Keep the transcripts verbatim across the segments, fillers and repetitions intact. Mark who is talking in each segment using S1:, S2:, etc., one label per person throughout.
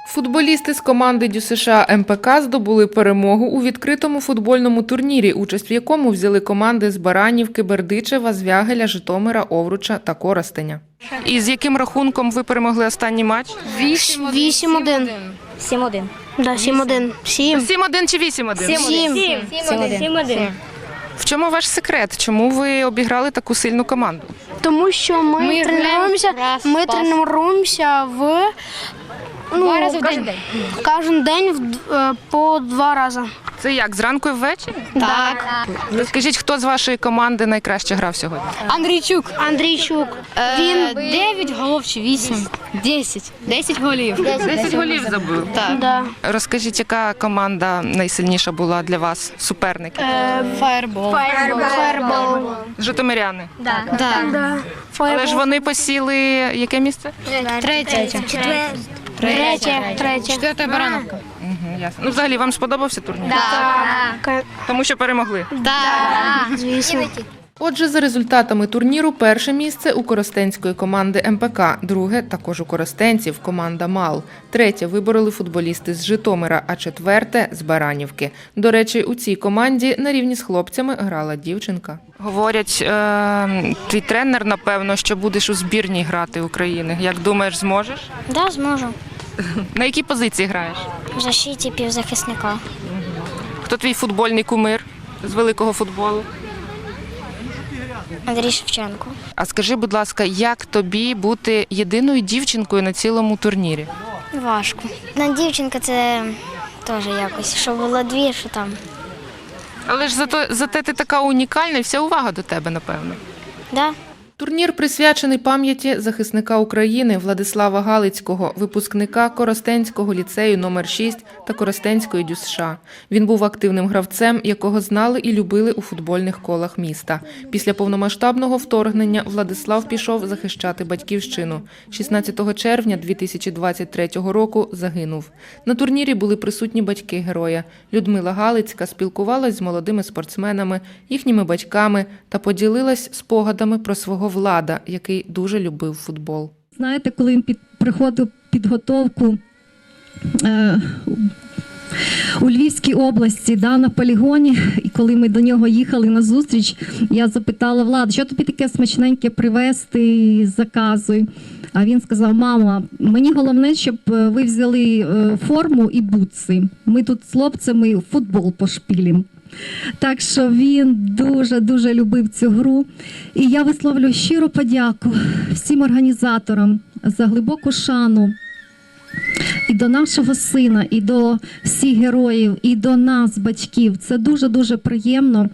S1: Футболісти з команди ДЮСШ ем пе ка здобули перемогу у відкритому футбольному турнірі, участь в якому взяли команди з Баранівки, Бердичева, Звягеля, Житомира, Овруча та Коростеня. І з яким рахунком ви перемогли останній матч?
S2: вісім один.
S3: сім один.
S2: Да, сім один. сім.
S1: сім один чи вісім один?
S3: сім один.
S1: В чому ваш секрет? Чому ви обіграли таку сильну команду?
S2: Тому що ми,
S3: Ми
S2: тренуємося,
S3: граємо раз,
S2: ми
S3: пас.
S2: тренуємося в ну,
S3: Два рази в
S2: кожен-
S3: день.
S2: Кожен день в д- е, по два рази.
S1: Це як, зранку і ввечері?
S3: Так.
S1: Розкажіть, хто з вашої команди найкраще грав сьогодні?
S3: Андрійчук.
S2: Андрійчук.
S3: Він дев'ять голів чи вісім? десять. десять голів.
S1: десять голів забив.
S3: Так.
S2: Да.
S1: Розкажіть, яка команда найсильніша була для вас, суперники?
S3: Фаербол.
S2: Фаербол.
S1: Житомиряни.
S3: Так.
S2: Да.
S1: Але ж вони посіли яке місце?
S3: Третя.
S2: Третє. Третє.
S3: Четверта Барановка.
S1: Угу, ясно. Ну, взагалі, вам сподобався турнір?
S2: Ка-
S1: Тому що перемогли.
S2: Звісно.
S1: Отже, за результатами турніру перше місце у коростенської команди ем пе ка, друге також у коростенців команда МАЛ, третє вибороли футболісти з Житомира, а четверте – з Баранівки. До речі, у цій команді на рівні з хлопцями грала дівчинка. Говорять, е- твій тренер, напевно, що будеш у збірній грати України. Як думаєш, зможеш?
S4: Да, зможу.
S1: На якій позиції граєш?
S4: В защиті півзахисника.
S1: Хто твій футбольний кумир з великого футболу?
S4: Андрій Шевченко.
S1: А скажи, будь ласка, як тобі бути єдиною дівчинкою на цілому турнірі?
S4: Важко. Одна дівчинка це теж якось. Що було дві, що там.
S1: Але ж зато, зате ти така унікальна і вся увага до тебе, напевно.
S4: Да?
S1: Турнір присвячений пам'яті захисника України Владислава Галицького, випускника Коростенського ліцею номер шість та Коростенської ДЮСШ. Він був активним гравцем, якого знали і любили у футбольних колах міста. Після повномасштабного вторгнення Владислав пішов захищати батьківщину. шістнадцятого червня дві тисячі двадцять третього року загинув. На турнірі були присутні батьки героя. Людмила Галицька спілкувалась з молодими спортсменами, їхніми батьками та поділилась спогадами про свого Влада, який дуже любив футбол.
S5: Знаєте, коли він під, приходив підготовку е, у Львівській області, да, на полігоні, і коли ми до нього їхали на зустріч, я запитала Влада, що тобі таке смачненьке привезти, заказуй. А він сказав: мама, мені головне, щоб ви взяли форму і бутси. Ми тут з хлопцями футбол пошпілім. Так що він дуже-дуже любив цю гру. І я висловлюю щиру подяку всім організаторам за глибоку шану і до нашого сина, і до всіх героїв, і до нас, батьків. Це дуже-дуже приємно.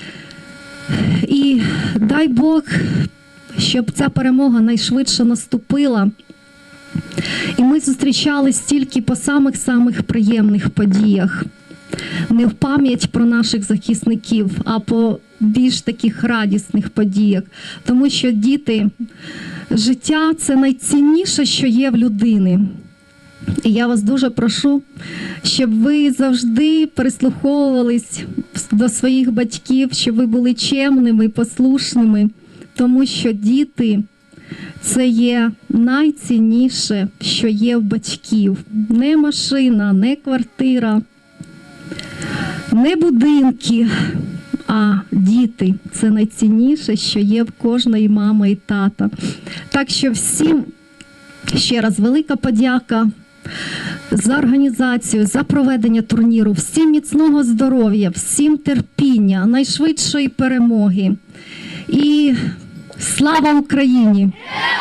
S5: І дай Бог, щоб ця перемога найшвидше наступила. І ми зустрічались тільки по самих-самих приємних подіях. Не в пам'ять про наших захисників, а по більш таких радісних подіях. Тому що, діти, життя – це найцінніше, що є в людини. І я вас дуже прошу, щоб ви завжди прислуховувались до своїх батьків, щоб ви були чемними, послушними, тому що діти – це є найцінніше, що є в батьків. Не машина, не квартира, не будинки, а діти – це найцінніше, що є в кожної мами і тата. Так що всім ще раз велика подяка за організацію, за проведення турніру, всім міцного здоров'я, всім терпіння, найшвидшої перемоги. І слава Україні!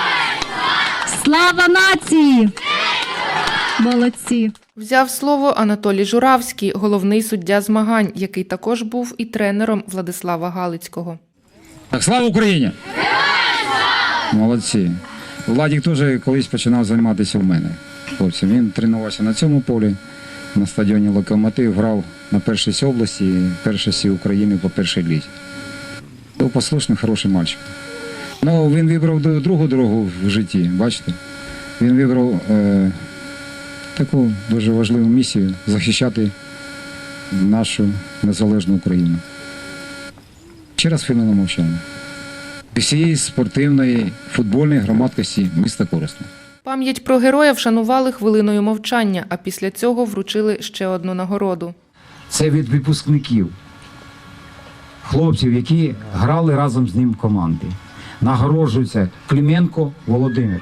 S5: Слава нації! Молодці!
S1: Взяв слово Анатолій Журавський, головний суддя змагань, який також був і тренером Владислава Галицького.
S6: Так, слава Україні! Молодці. Владик теж колись починав займатися в мене. Хлопці, він тренувався на цьому полі, на стадіоні «Локомотив», грав на першості області, першості України по першій лізі. Був послушний, хороший мальчик. Ну, він вибрав другу дорогу в житті, бачите? Він вибрав е, таку дуже важливу місію – захищати нашу незалежну Україну. Ще раз хвилину мовчання. Всієї спортивної футбольної громадськості міста Коростеня.
S1: Пам'ять про героя вшанували хвилиною мовчання, а після цього вручили ще одну нагороду.
S6: Це від випускників, хлопців, які грали разом з ним в команді. Нагороджується Клименко Володимир.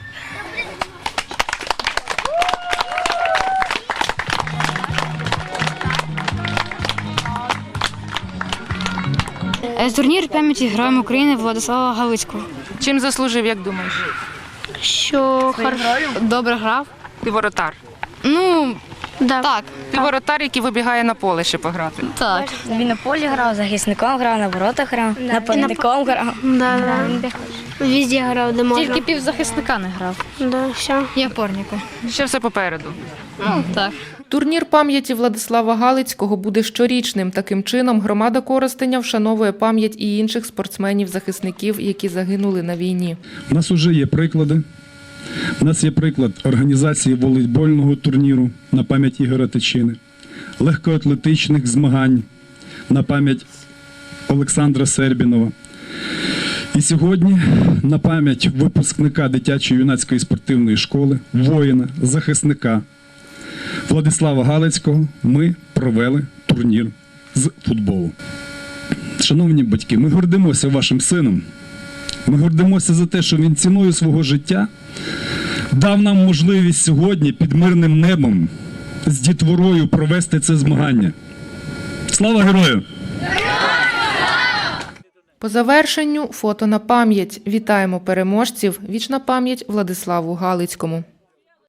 S3: Е, Турнір пам'яті Героям України Владислава Галицького.
S1: Чим заслужив, як думаєш?
S2: Що хорошо.
S3: Добре грав.
S1: Ти воротар.
S3: Ну,
S2: Да.
S3: так,
S1: Ти воротар, який вибігає на поле ще пограти.
S3: так.
S4: Він на полі грав, захисником грав, на воротах грав, нападником грав.
S2: Да, да. Везде грав, де можна.
S3: Тільки півзахисника не грав.
S2: Да, все.
S3: І опорника.
S1: Ще все попереду.
S3: Ну, так.
S1: Турнір пам'яті Владислава Галицького буде щорічним. Таким чином, громада Коростеня вшановує пам'ять і інших спортсменів-захисників, які загинули на війні.
S7: У нас вже є приклади. У нас є приклад організації волейбольного турніру на пам'ять Ігоря Тичини, легкоатлетичних змагань на пам'ять Олександра Сербінова. І сьогодні на пам'ять випускника дитячої юнацької спортивної школи, воїна, захисника Владислава Галицького ми провели турнір з футболу. Шановні батьки, ми гордимося вашим сином. Ми гордимося за те, що він ціною свого життя дав нам можливість сьогодні під мирним небом з дітворою провести це змагання. Слава герою!
S1: По завершенню фото на пам'ять. Вітаємо переможців. Вічна пам'ять Владиславу Галицькому.